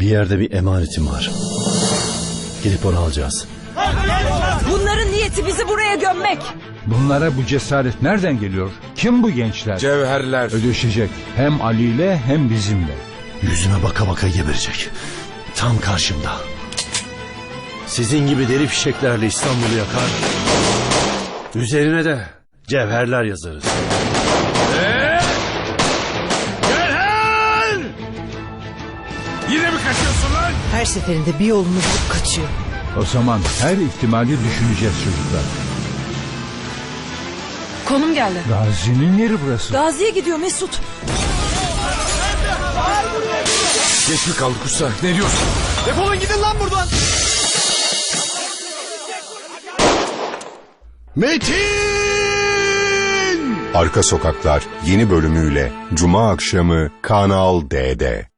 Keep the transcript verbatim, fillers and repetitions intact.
Bir yerde bir emanetim var. Gidip onu alacağız. Bunların niyeti bizi buraya gömmek. Bunlara bu cesaret nereden geliyor? Kim bu gençler? Cevherler. Ödeşecek. Hem Ali ile hem bizimle. Yüzüme baka baka geberecek. Tam karşımda. Sizin gibi deri fişeklerle İstanbul'u yakar. Üzerine de cevherler yazarız. Cevher! Yine mi kaçıyorsun lan? Her seferinde bir yolunu bulup kaçıyor. O zaman her ihtimali düşüneceğiz çocuklar. Konum geldi. Gazi'nin yeri burası. Gazi'ye gidiyor Mesut. Geç mi kaldık usta? Ne diyorsun? Defolun gidin lan buradan. Metin! Arka Sokaklar yeni bölümüyle Cuma akşamı Kanal D'de.